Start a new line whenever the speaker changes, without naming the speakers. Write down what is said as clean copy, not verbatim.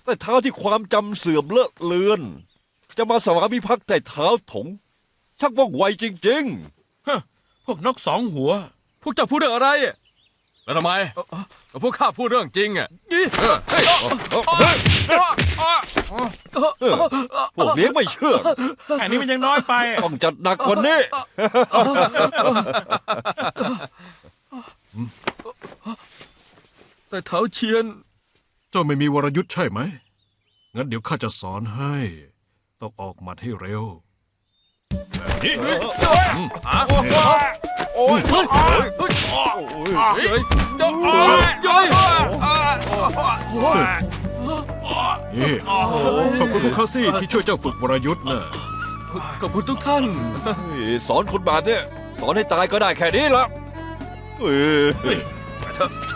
แต่เท้าที่ความจำเสื่อมเลอะเลือน จะมาสวามิภักดิ์แต่เท้าถง ชักว่องไวจริง
พวกนกสองหัว
พวกเจ้าพูดเรื่องอะไรแล้วทำไมพวกข้าพูดเรื่องจริงอ่ะเฮ้ย
ๆ พวกเลี้ยงไม่เชื่อ
แค่นี้มันยังน้อยไป
ต้องจัดหนักกว่านี้
แต่เท้าเชียน
เจ้าไม่มีวรยุทธ์ใช่ไหม งั้นเดี๋ยวข้าจะสอนให้ ต้องออกหมัดให้เร็วแบบนี้
โอ้ย
เฮ้ย
นี่ขอบคุณพวกข้าสิที่ช่วยเจ้าฝึกวรยุทธ์นะ
ขอบคุณทุกท่าน
สอนคนแบบเนี้ยสอนให้ตายก็ได้แค่นี้ละเออ